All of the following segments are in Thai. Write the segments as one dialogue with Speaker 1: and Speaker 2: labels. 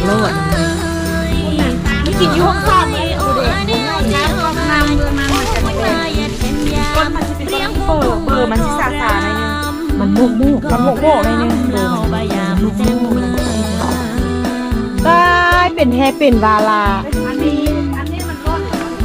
Speaker 1: โลด
Speaker 2: ไม่กินยุ่งข้าวเลยกูเด็กน้ำก็น้ำเมื่อมันจะไม่เป็นก้นมันจะเป็นเบอร์มันจะสาสาในนึง
Speaker 1: มันโมก
Speaker 2: ในนึงเบอร์มัน
Speaker 1: ได้เป็นแฮเป็นวาลา
Speaker 2: อันนี้มันร้อน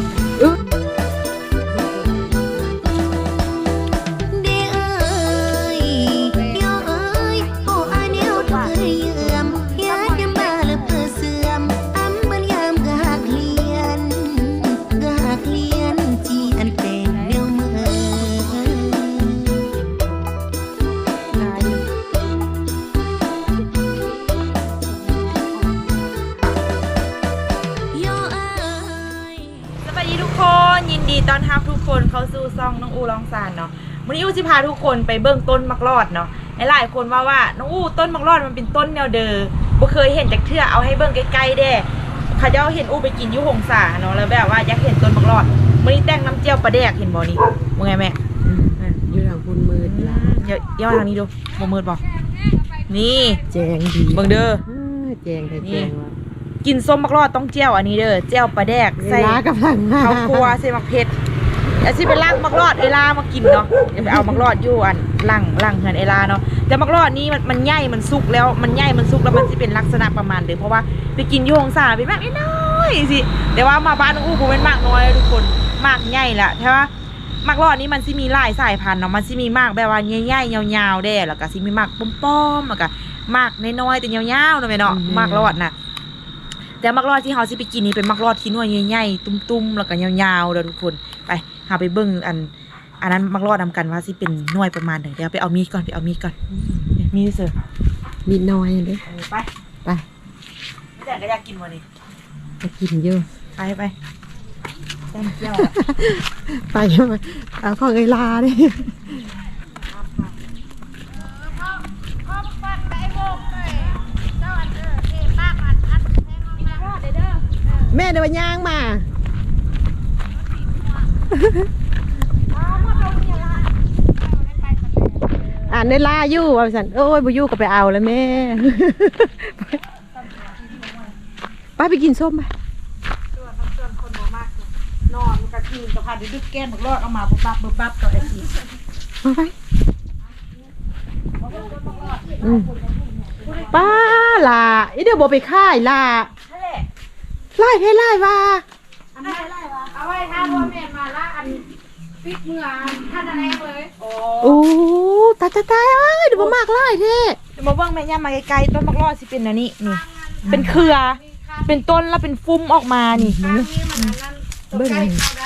Speaker 2: ยินดีต้อนรับทุกคนเข้าสู่ซ่องน้องอูลองซานเนาะวันนี้อูจะพาทุกคนไปเบื้องต้นมักรอดเนาะหลายคนว่าน้องอูต้นมักรอดมันเป็นต้นแนวเดิมบ่เคยเห็นจากเทื่อเอาให้เบื้องใกล้ๆเด้เขาจะเห็นอูไปกินยุหงสาเนาะแล้วแบบว่าอยากเห็นต้นมักรอดวันนี้แต่งน้ำเจียวปลาแดกเห็นบ่นี่ว่าไงแม่
Speaker 1: อยู่ทางคุณมืด
Speaker 2: ย่อทางนี้ดูบ่มืดบ่นี่
Speaker 1: แจงดี
Speaker 2: เบิ่งเด้อ
Speaker 1: แจงว่า
Speaker 2: กินส้มมักรอดต้องเจียวอันนี้เด้อเจียวปลาแดกใส่ข้าวคั่วใส่มักเผ็ดอย่าสิไปล่างมักรอดเอลามากินเนาะอย่าไปเอามักรอดอยู่อันล่างเหือนเอลาเนาะแต่มักรอดนี้มันใหญ่มันสุกแล้วมันใหญ่มันสุกแล้วมันจะเป็นลักษณะประมาณเดิมเพราะว่าไปกินยูฮงซาเป็นมากน้อยสิแต่ว่ามาบ้านน้องอู้ผมเป็นมากน้อยทุกคนมากใหญ่ละใช่ปะมักรอดนี้มันสิมีหลายสายพันธุ์เนาะมันสิมีมากแบบว่าใหญ่ๆยาวๆได้แล้วก็สิมีมากป้อมๆแล้วก็มากน้อยๆแต่ยาวๆเนาะแม่เนาะมากรอดน่ะแต่มักรอดที่เขาสิไปกินนี่เป็นมักรอดที่น้อยใหญ่ๆตุ้มๆแล้วก็ยาวๆเด้อทุกคนไปหาไปเบิ่งอันนั้นมักรอดนำกันว่าสิเป็นน้อยประมาณไหนเดี๋ยวไปเอามีดก่อนมีดเสือ
Speaker 1: มีดน้อยเลย
Speaker 2: ไปแต่ก็อยากกินวันนี้
Speaker 1: ไปกินเยอะ
Speaker 2: ไปแต้มเจียว
Speaker 1: ไปเอาข้าวไก่ลาดิแม่เดี๋ยวย่างมาในลาอยู่ว่าสันโอ้ยบุยูก็ไปเอาแล้วแม่ไปกินส้มไป
Speaker 2: คนมากนอนกระทิงกระพาดดึกแก้มรอดเอามาปุ๊บปั๊บกับไอ้ที
Speaker 1: มาไปป้าล่ะอีเดี๋ยวบอกไปค่ายล่ะไล่ให้ไล่ว่า
Speaker 2: เอาไว้ถ้าพ่อแม่มาละอันปิดเมื่อท่านแรกเลย
Speaker 1: โอ้ตายเอ้ยเดี๋ยวมากไล่เท่
Speaker 2: เดี๋ยวมาเบิ่งแม่ย่ามาไกลๆต้นมักรอดสิเป็นอันนี้นี่เป็นเครือเป็นต้นแล้วเป็นฟุ้มออกมานี่
Speaker 1: เบิ่ง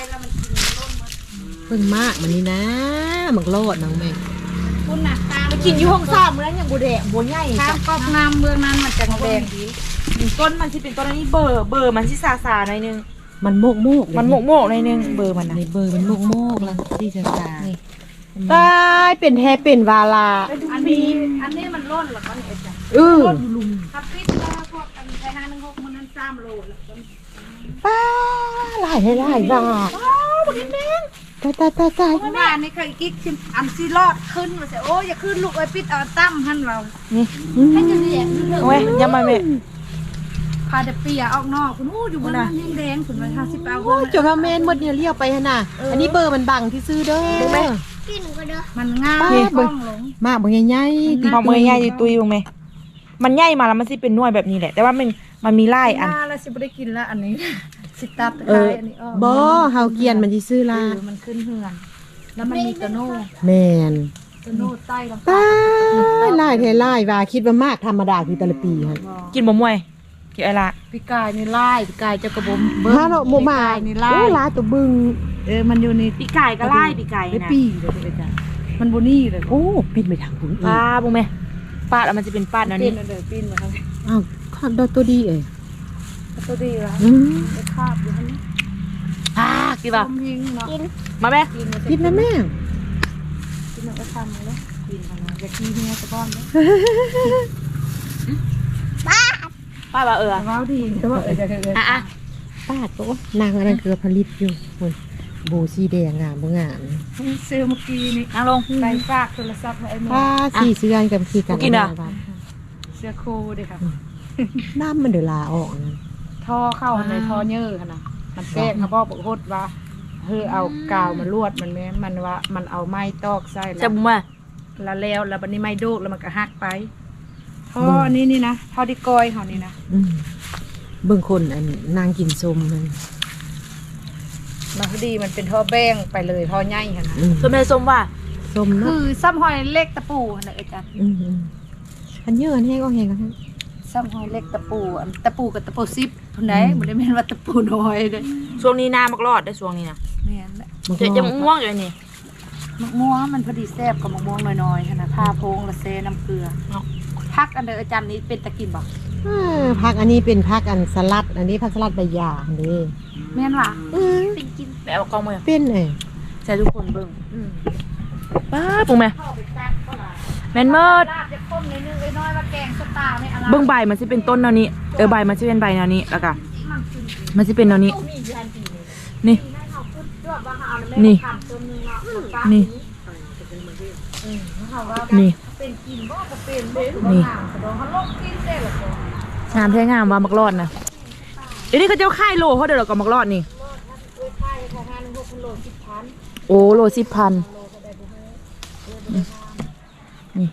Speaker 1: มากมันนี่นะมักรอดน้องแม่
Speaker 2: คุณน่ะไปกินอยู่ห้องซ้อมแล้วอย่างบัวแดงบัวใหญ่
Speaker 3: ก็น้ำเมืองนั้นมันจะแดงดี
Speaker 2: ต้นมันที่เป็นต้นนี้เบอร์มันที่ซาหน่อยนึง
Speaker 1: มันโมกห
Speaker 2: น่อยนึงเบอร์มันนะ
Speaker 1: เบอร์มันโมกแล้วที่ซาได้เป็นแฮเป็นวาลา
Speaker 3: อันนี้มันร่นหรอมันเอ็ดจ้ะร่นลุมทับพิษแล้วพวกกันไทย516มันนั้น3 โลแล้ว
Speaker 1: ป้าไล่ให้ไล่ว่า
Speaker 2: บุญแม่
Speaker 1: ตาย
Speaker 3: ว่านี่เคยกิ๊กอันซีรอดขึ้นมาเสียโอ้อย่าขึ้นลูกไอ้ปิดเอาตั้มหันเรา
Speaker 2: นี่
Speaker 3: ให้จะเนี่ย
Speaker 2: โอ้ยยังมาแม่
Speaker 3: พาเดปียออกนอกคุณอู้อยู่บนนั้นแดงคุณมา50 เอา
Speaker 1: จนว่าเมนหมดเนี่ยเลี้ยวไปฮะน่ะอันนี้เบอร์มันบังที่ซื้อเด้อ
Speaker 3: มันง่าย
Speaker 1: มากบางใหญ่
Speaker 2: พอมือใหญ่ตุยลงไหมมันใหญ่มาแล้วมันสิเป็นหน่วยแบบนี้แหละแต่ว่ามันมีไล่อัน
Speaker 3: แล้วสิบ่ได้กินแล้วอันนี้สิตับอันนี้
Speaker 1: บ่เฮาเกียนมันสิซื้อล่ะ
Speaker 3: มันขึ้นเหือนแล้วมันมีกระโน่
Speaker 1: แม่น
Speaker 3: กระโน่ใต้ลง
Speaker 1: ไล่เทไล่ว่าคิดว่ามากธรรมดาคือแต่ละปีฮะ
Speaker 2: กินบ่มวยกินอะไรล่ะ
Speaker 3: พี่กายนี่ไล่พี่กายจะกระบม
Speaker 1: เบิ้งโมมา
Speaker 3: นี่ไล่
Speaker 1: ไล่ตัวบึง
Speaker 3: มันอยู่ใน
Speaker 2: พี่กายก็ไล่พี่กาย
Speaker 3: นะปีเลยจ้ะมันบ่นี่เลย
Speaker 1: โอ้ปิดไปทางคุณ
Speaker 2: ป้าบุ้งแม่ปาดแล้วมันจะเป็นปาดนั่นนี่
Speaker 3: ปีนมาทาง
Speaker 1: อ้าวข้าวตัวดี
Speaker 3: ตัวดีแล้วคาบอยู่นี่
Speaker 2: กินป่ะ
Speaker 3: กิน
Speaker 2: มาแม่
Speaker 1: กินนะแม่
Speaker 3: กินแล้วก็ทำเลยกินกันนะอยากกินเนี่ยตะก้อนเลย
Speaker 2: ป้าว่า
Speaker 3: ว้าวดีแต่ว่า
Speaker 1: ป้าโตนางอะไรคือผลิตอยู่โบสีแดงงามบ่งาม
Speaker 3: ซื้อเมื่อกี้นี่
Speaker 2: นั่งลง
Speaker 3: ไปฝากโทรศัพท์ให้ไอ้หมอ
Speaker 1: สีเสื้อกับสีกัน
Speaker 2: กินอ่ะ
Speaker 3: เสื้อโคดิค่ะ
Speaker 1: น้ำมันเดือดลาออกนะ
Speaker 3: ท่อเข้าในท่อเยื่อขนาดมันแกล้งเขาบอกโคตรว่าเฮ้ยเอากาวมาลวดมันแม่มันว่ามันเอาไม้ตอกไส้
Speaker 2: จะบุ้มว่า
Speaker 3: แล้วบัดนี้ไม้โดกแล้วมันก็หักไปท่อนี้นี่นะท่อที่กอยเขานี่นะ
Speaker 1: เบิ่งคนอันนางกินส้มมัน
Speaker 3: มาพอดีมันเป็นท่อแบ้งไปเลยท่อใหญ่ขนาด
Speaker 2: ส้มได้ส้มว่า
Speaker 1: ส้ม
Speaker 3: คื
Speaker 1: เนาะ
Speaker 3: อซ้ำหอยเล็กตะปูนะอาจารย์
Speaker 1: อันเยอะอันแห้งก็แห้งกัน
Speaker 3: ซ้ำหอยเล็กตะปูอันตะปูกับตะปูซิปทุนไหนมันได้แม่นว่าตะปูน้อยเด้
Speaker 2: ช่วงนี้นามักรอดได้ช่วงนี้นะ
Speaker 3: แม่นแหละ
Speaker 2: จะม่วงอยู่นี่
Speaker 3: มะม่วงมันพอดีแซ่บกับมะม่วงน้อยๆขนาดผ้าโพงละเซน้ำเกลือพักอันเดออาจารย์นี้เป็นตะกินบ่
Speaker 1: ผักอันนี้เป็นผักอันสลัด อันนี้ผักสลัดใบหญ้านี่
Speaker 3: แม่นว่ะ
Speaker 2: เป็นกินแบบเอากล้องมา
Speaker 1: เป็นไง
Speaker 2: ใช่ทุกคนเบิ่งป้าปุ้งแม่แม่นเมิด
Speaker 3: ลาบจะข้มนิดนึงน้อยว่าแกงสตาร์ไม่อะไร
Speaker 2: เบิ่งใบมันสิเป็นต้นแนวนี้ใบมันสิเป็นใบแนวนี้แล้วก็มันสิเป็นแนวนี้นี่ นี่ นี่ นี่
Speaker 3: เป็นกินบ่ก็เป็นบ่
Speaker 2: นี่
Speaker 3: เขาลงกินได้หรอ
Speaker 2: งามแท้งามว่ามักรอดนะเดี๋ยวนี้เขาเจ้าค่ายโลเขาเดี๋ยวเราก็มักรอดนี่โอ้โล10,000นี่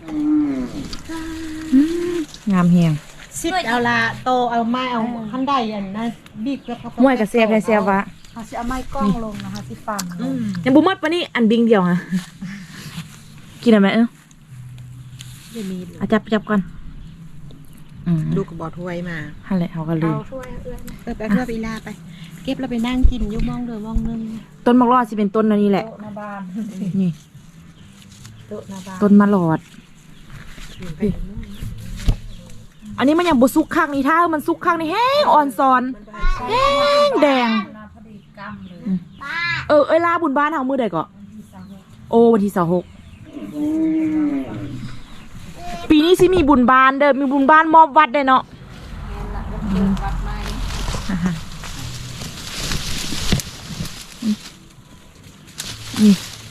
Speaker 2: งามแฮง
Speaker 1: ซิดเอาละโตเอาไม้เอาขั้นใดอันนั้นบีบแล้ว
Speaker 2: มวยกับเสียบได้เสียบวะ
Speaker 3: เขาสิเอาไม้กล้องลงนะคะสิฟัง
Speaker 2: ยังบุมัดปะนี่อันบิงเดียวฮะกินอะไรไหม
Speaker 1: จะมี
Speaker 2: อาจับก่อน
Speaker 1: ดูกระบอกถ้วยมา
Speaker 2: ฮันแหละเขาก็ลืม
Speaker 3: ช่วยเอื้อน
Speaker 1: ไปเพื่อไปลาไป เก็บแล้วไปนั่งกินยุ่มองเดือมองนึง
Speaker 2: ต้นมะรอดสิเป็นต้นอันนี้แหละ
Speaker 3: โต๊ะหน้าบ้าน
Speaker 2: นี่
Speaker 3: โต๊ะหน้าบ้าน
Speaker 2: ต้นมะรอด อันนี้มันยังบุซุกข้างนี้ถ้ามันซุกข้างนี้แห้งอ่อนซอนแห้งแดง
Speaker 3: พอดีกำเลย
Speaker 2: เอ้ยลาบุญบ้านเอามือใดก่อนโอ้วันที่26ปีนี้สิมีบุญบ้านเด้อมีบุญบ้านมอบวัดได้เนาะ
Speaker 3: วัดไม้
Speaker 2: นี่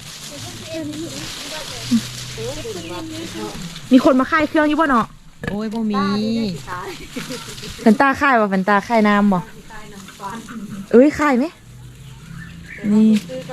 Speaker 2: มีคนมาค่ายเครื่องอยู่บ่เนาะ
Speaker 1: โอ้ยบ่มี
Speaker 2: แฟนตาค่ายบ่แฟนตาค่ายน้ำบ่เอ้ยค่ายไหมนี่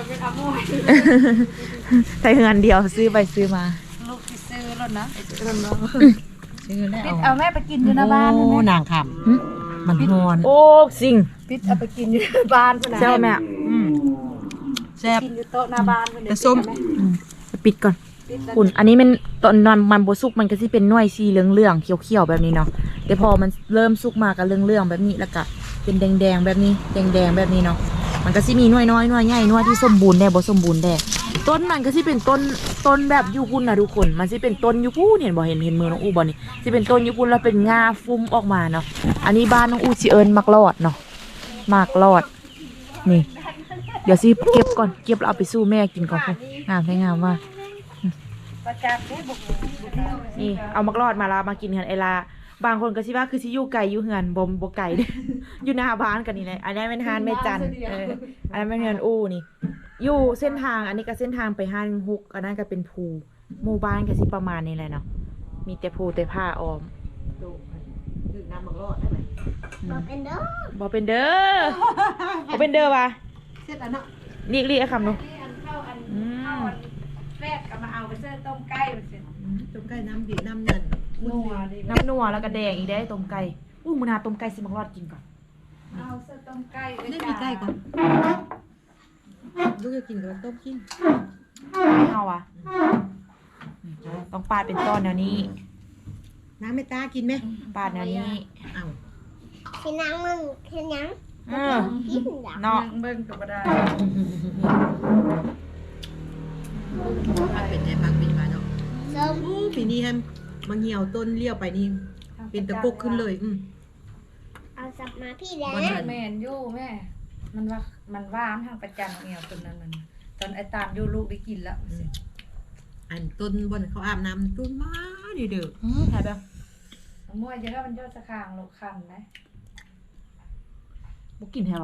Speaker 2: ใส่เงินเดียวซื้อไปซื้อมา
Speaker 3: ลูกที่ซื้อแล้วนะ
Speaker 1: ซื้อแล้ว
Speaker 3: ปิดเอาแม่ไปกินอยู่หน้าบ้าน
Speaker 1: โอ้
Speaker 3: นะ
Speaker 1: นางคำมันฮอน
Speaker 2: โอ้สิ่ง
Speaker 3: ปิดเอาไปกินอยู่หน้าบ้านพุ่นน่ะ
Speaker 2: แซ่บแม่
Speaker 1: แซ่บ
Speaker 3: กินอยู่โต๊ะหน้าบ้านพุ่น
Speaker 1: แต่ส้ม
Speaker 2: ไปปิดก่อนคุณอันนี้มันตอนนอนมันโบสุกมันก็สิเป็นหน่วยสีเหลืองๆเขียวๆแบบนี้เนาะแต่พอมันเริ่มสุกมาก็เหลืองๆแบบนี้แล้วก็เป็นแดงๆแบบนี้แดงๆแบบนี้เนาะมันก็สิมีหน่วยน้อยหน่วยใหญ่หน่วยที่สมบูรณ์แน่บ่สมบูรณ์แน่ต้นมันก็สิเป็นต้นแบบยูพุ่นนะทุกคนมันสิเป็นต้นยูพุ่นเห็นบ่เห็นมือน้องอูบ่นี่สิเป็นต้นยูพุ่นแล้วเป็นงาฟุ้มออกมาเนาะอันนี้บ้านน้องอูสิเอิญมักรอดเนาะมักรอดนี่เดี๋ยวสิเก็บก่อนเก็บแล้วเอาไปสู้แม่กินก่อนงามใช่งามว่า
Speaker 3: ประจักษ์บุก
Speaker 2: นี่เอามักรอดมาลามากินกันไอลาบางคนก็คิดว่าคือชิอยู่ไก่อยู่เหือนบ่ไก่เด้ อยู่หน้าบ้านกันนี่แหละอันนี้เป็นฮานแม่จันอันนั้นเป็นเหือนอู้นี่อยู่เส้นทางอันนี้ก็เส้นทางไปฮานฮุกอันนั้นก็เป็นภูหมู่บ้านก็สิประมาณนี้แหละเนาะมีแต่ภูแต่ผ้าออม
Speaker 1: ดื่มน้ำมักรอดได้ไหม
Speaker 2: บ่เป็นเด้อบ่เป็นเด้อว่ะ
Speaker 1: เสร็จแล้วเนาะ
Speaker 2: เรียกคำหนู
Speaker 3: เข้าอันแรกก็มาเอาไปเสื้อต้มไก่มันสิ
Speaker 1: ต้มไก่น้ำดีน้ำนั่น
Speaker 3: นัวดิ
Speaker 2: น้ำนัวแล้วก็แดงอีกได้ต้มไก่อู้มื้อหน้าต้มไก่สิมักรอดกินก่อน
Speaker 3: เอาเสื้อต้มไก่
Speaker 1: ได้มีไก่ก่อนลูกจะกินกับต้มกิน
Speaker 2: ไม่เอาอ่ะต้องปาดเป็นต้นแนวนี้
Speaker 1: น้ำไม่ตากินไหม
Speaker 2: ปาดแนวนี้
Speaker 1: เอา
Speaker 4: Khi nào mừng, khi nào
Speaker 2: เออ
Speaker 4: kiếm được.
Speaker 2: เนาะ
Speaker 3: เบิ่งก็บ่ได้
Speaker 1: มันเป็นไงบ้างเป็นมาเนาะ
Speaker 4: Sớm,
Speaker 1: ปีนี้แฮมมาเหี่ยวต้นเลี้ยวไปนี่เป็นตะปกขึ้นเลย
Speaker 4: ao sập mà phi
Speaker 1: วัน
Speaker 4: đá.
Speaker 1: นั้น
Speaker 3: แม่นอยู่แม่มันว่าทางประจันเหี่ยวตัวนั้นมันตอนไอ้ตามอยู่ลูกได้กินแล้ว
Speaker 1: อันต้นบนเขาอาบน้ำต้นมาดีเด้อ
Speaker 2: ถ่ายไป
Speaker 3: มั่วเยอะมันยอดสะคางลูกคันนะ
Speaker 2: บุกินให้เรา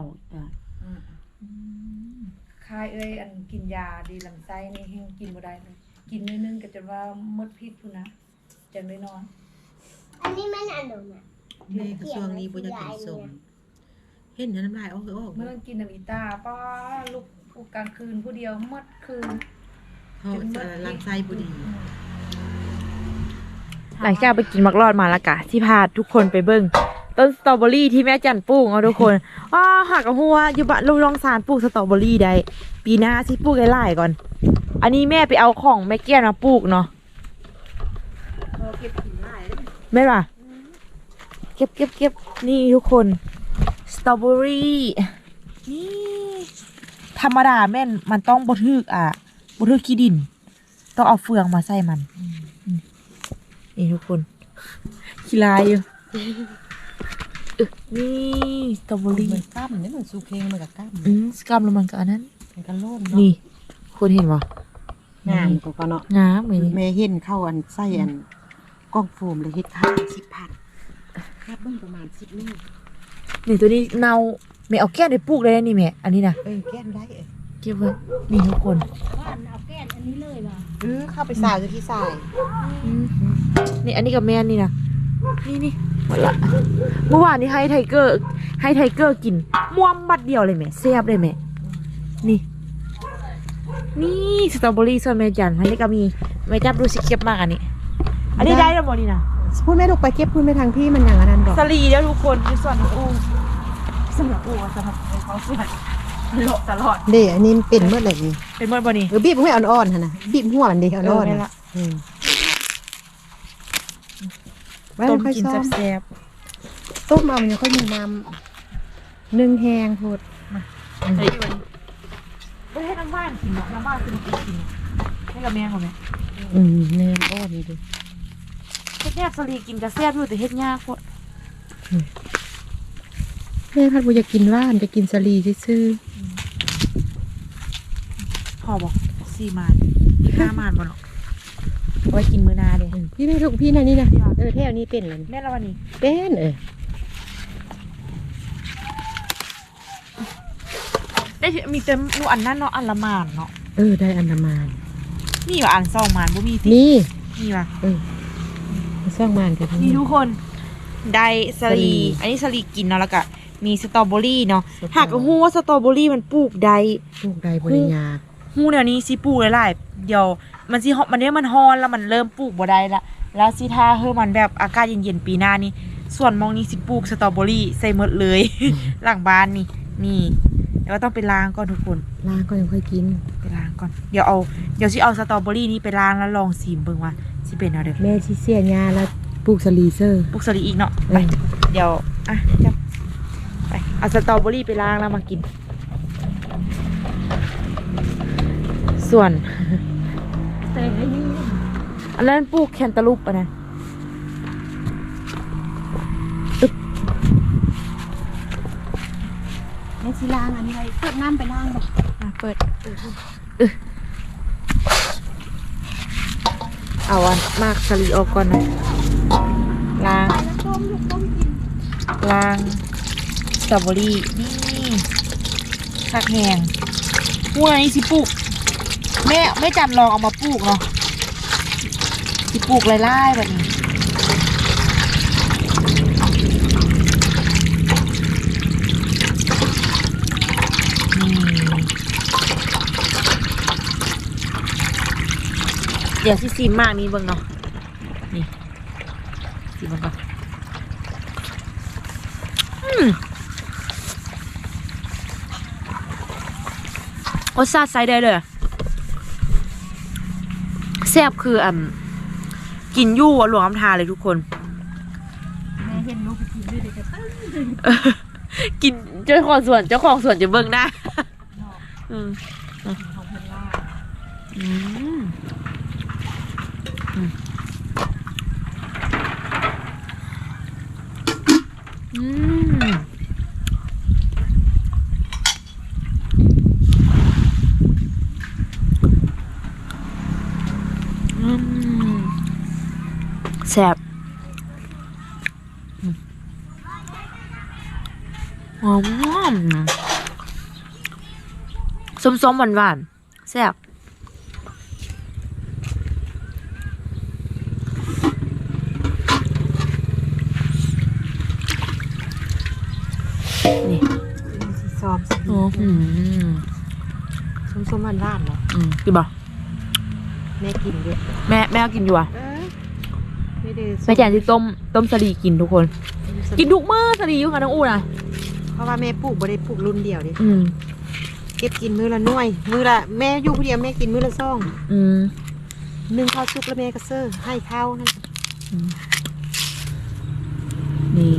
Speaker 3: คายเอ้ยอันกินยาดีลำไส้นี่แห้งกินบ่ได้เลยกินนึงก็จนว่าหมดพิษพุ่นนะจังได้นอน
Speaker 4: Anh đi mấy ăn đồ nè.
Speaker 1: แม่กระทรวงนี้บ่อยากกินส้มเห็นน้ำลายออกออก
Speaker 3: เมื่อกินน้ำอีตาป้าลูกกลางคืนผู้เดียวหมดคืน
Speaker 1: เขาลำไส้บ่ดี
Speaker 2: หลังจากไปกินมักรอดมาแล้วกะที่พาทุกคนไปเบิ้งต้นสตรอเบอรี่ที่แม่จันปลูกเอาทุกคนหักกับหัวอยู่บ้านลองสารปลูกสตรอเบอรี่ได้ปีหน้าสิปลูกไล่ๆก่อน อันนี้แม่ไปเอาของแม่เกี้ยนมาปลูกเนาะแม่ป่ะเก็บนี่ทุกคนสตรอเบอรี่นี่ธรรมดาแม่นมันต้องบ่ทึกขี้ดินต้องเอาเฟืองมาใส่มันนี่ทุกคนขี้ลายอยู่นี่สตรอเบอรี่
Speaker 1: มันกล้ามนี่มันสุเคงมันกับกล้าม
Speaker 2: สกรัมแล้วมันก็อันนั้น
Speaker 1: มันก็โล่ง
Speaker 2: นี่คุณเห็นปะ
Speaker 1: งามก็เนาะ
Speaker 2: งามเลยนี่
Speaker 1: แม่เห็นเข้าอันไส้อันกล้องโฟมเลยเฮ็ดค่า10,000ค่าเบิ่งประมาณ10เมตร
Speaker 2: นี่ตัวนี้เนาแม่เอาแก้นไปปลูกได้นี่แม่อันนี้นะ
Speaker 1: แก้มได้
Speaker 2: เก็บไว้นี่ทุกคน
Speaker 1: เข้าไปสายที่สาย
Speaker 2: นี่อันนี้กับแม่นี่นะนี่หมดละเมื่อวานนี้ให้ไทเกอร์กินม่วงบัดเดียวเลยแม่แซ่บเลยแม่นี่สตรอเบอรี่ส่วนแม่จันอันนี้ก็มีแม่จับดูสิเก็บมากอันนี้ได้แล้วหมดนี่นะ
Speaker 1: พูดแม่ลูกไปเก็บพูดแม่ทางพี่มันอย่างนั้นดอก
Speaker 2: สลีแล้วทุกคนคือส่วนของอูสำหรับอูสำหรับเขาส่วนโลตลอด
Speaker 1: เด้อันนี้เป็นเมื่อไหร่นี่
Speaker 2: เป็นเมื่อบ่นี่
Speaker 1: บีบให้อ่อนๆหั่นน่ะบีบหัวมันดิอ่อนๆ
Speaker 2: แม่
Speaker 1: น่ะ
Speaker 2: ละ
Speaker 1: ไว้
Speaker 2: ต้ม
Speaker 1: ค่อย
Speaker 2: กิน
Speaker 1: ซ้อม
Speaker 2: แซ่บ
Speaker 1: ต้มเอามันยังค่อยมีน้ำนึ่งแห้งโพด
Speaker 2: ๆอะไรอยู่วันนี้ไม่ให้น้ำบ้านกินหรอกน้ำบ้านคือมันกินให้กับแม่เขาไหม
Speaker 1: แน่อ่อนนี่ดิ
Speaker 2: เฮ็ดแซ่บสลีกินกับแซ่บอยู่แต่เฮ็ดยากโคตร
Speaker 1: แม่พัดบ่อยากกินว่านจะกินสลีซื่อ
Speaker 2: พ่อบอก4 มาน5 มานบ่หรอกเอาไว้กินมื้อหน้าเด้
Speaker 1: ๆพี่แม่ลูกพี่น่ะนี่นะแถวนี้เป็นแล้ว
Speaker 2: แม่ละวันนี้
Speaker 1: เป็น
Speaker 2: ได้มีเต็มหมู่อันนั้นเนาะอันละมานเนาะ
Speaker 1: ได้อันดามัน
Speaker 2: นี่ว่าอัน2 มานบ่มีสิ
Speaker 1: นี่
Speaker 2: นี่ว่ะ
Speaker 1: ซ่องมันกัน
Speaker 2: นี่ทุกคนได้สลีอันนี้สลีกินเนาะแล้วก็มีสตรอเบอรี่เนาะหากฮู้ว่าสตรอเบอรี่มันปลูกได้
Speaker 1: ปลูกได้บ่ได้ยาก
Speaker 2: ฮู้เดี๋ยวนี้สิปลูกหลายๆเดี๋ยวมันสิมันเนี่ยมันฮ้อนแล้วมันเริ่มปลูกบ่ได้ละแล้วสิถ้ามันแบบอากาศเย็นๆปีหน้านี่ส่วนมองนี้สิปลูกสตรอเบอรี่ใส่หมดเลย หลังบ้านนี่แล้วก็ต้องไปล้างก่อนทุกคน
Speaker 1: ล้างก็ยังค่อยกิน
Speaker 2: ไปล้างก่อนเดี๋ยวสิเอาสตรอเบอรี่นี้ไปล้างแล้วลองชิมเบิ่งว่าสิเป็นเอาเด้อ
Speaker 1: แม่สิเสียยาแล้วปลูกสลีเซอร์
Speaker 2: ปลูกสลีอีกเนาะไปเดี๋ยวจับไปเอาสตรอเบอรี่ไปล้างแล้วมากิน ส่วนอันนั้นปลูกแคนตาลูปอ่ะนะตึก
Speaker 1: แม่สิล้างอันนี้ไว้เปิดน้ำไปล้างบ่
Speaker 2: เปิดเอาอันมากสลีออกก่อนนะล้างสตรอเบอรี่นี่คักแหงพวกนี้สิปลูกแม่จันลองเอามาปลูกเนาะสิปลูกไล่ๆแบบนี้เดี๋ยวสิซีมากนี้เบิ่งเนาะนี่ซีมมันก่อนรสชาติใส่ได้เลยแซ่บคือกินยู่หลวงอำทาเลยทุกคน
Speaker 3: แม่เห็นลูกไปกินด้วยเด็กก็ตั้ง
Speaker 2: กินเจ้าของสวนจะเบิ่งได้
Speaker 3: ของเพิ่นล่า
Speaker 2: แซ่บหอมส้มๆหวานๆแซ่บนี่
Speaker 1: สิซอม
Speaker 2: โอ้โห
Speaker 1: ส้มๆหวานๆเนาะ
Speaker 2: กินบ่
Speaker 1: แม่กินด้วย
Speaker 2: แม่กินอยู่อ่ะ
Speaker 1: ไม่ได้
Speaker 2: แม่แจนที่ต้มสลีกินทุกคน กินทุกมื้อสลีอยู่ค่ะน้องอูนะ
Speaker 1: เพราะว่าแม่ปลูกบ่ได้ปลูกรุ่นเดียวดิ
Speaker 2: อืม
Speaker 1: เก็บกินมื้อละหน่วย มื้อละแม่อยู่ผู้เดียวแม่กินมื้อละซอง
Speaker 2: อืม
Speaker 1: นึ่งข้าวสุกแล้วแม่ก็เซอร์ให้ข้าวนั่น
Speaker 2: นี่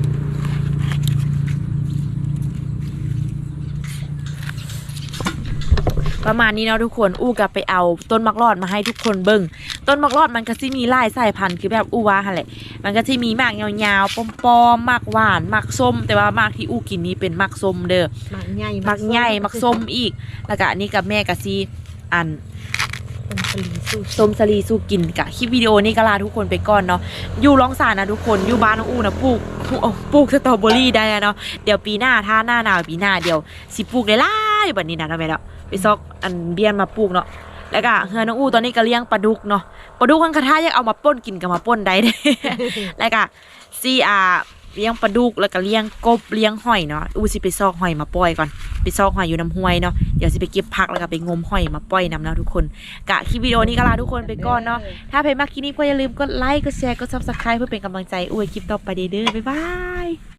Speaker 2: ประมาณนี้เนาะทุกคนอู้กับไปเอาต้นมักรอดมาให้ทุกคนเบิ่งต้นมักรอดมันก็สิมีหลายสายพันธุ์คือแบบอู้ว่าหั่นแหละมันก็สิมีมากยาวๆปอมๆมากหวานมากส้มแต่ว่ามากที่อู้กินนี้เป็นมากส้มเด้อ
Speaker 1: หมักใหญ่
Speaker 2: มักใหญ่มักส้มอีก แล้วก็อันนี้กับแม่ก็สิอัน
Speaker 1: ต้มสลีสู้
Speaker 2: ส้มสลีสู้กินกะคลิปวิดีโอนี้ก็ลาทุกคนไปก่อนเนาะอยู่ร้องสารนะทุกคนอยู่บ้านน้องอู้นะปลูกสตรอเบอรี่ได้เนาะเดี๋ยวปีหน้าถ้าหน้าหนาวปีหน้าเดี๋ยวสิปลูกได้หลายแบบนี้นะทำไมเนาะไปซอกอันเบี้ยนมาปลูกเนาะแล้วก็เฮือน้องอู้ตอนนี้ก็เลี้ยงปลาดุกเนาะปลาดุกมันกระทะยังเอามาป่นกินกับมาป่นได้เด้ แล้วก็ซีเลี้ยงปลาดุกแล้วก็เลี้ยงกบเลี้ยงหอยเนาะอู้สิไปซอกหอยมาปล่อยก่อนไปซอกหอยอยู่น้ำห้วยเนาะเดี๋ยวสิไปเก็บผักแล้วก็ไปงมหอยมาปล่อยน้ำเนาะทุกคนกะคลิปวิดีโอนี้ก็ลาทุกคนไปก่อนเนาะถ้าเพลงมากคลิปนี้ก็อย่าลืมกดไลค์กดแชร์กด Subscribe เพื่อเป็นกำลังใจอู้คลิปต่อไปเด้อบ๊ายบาย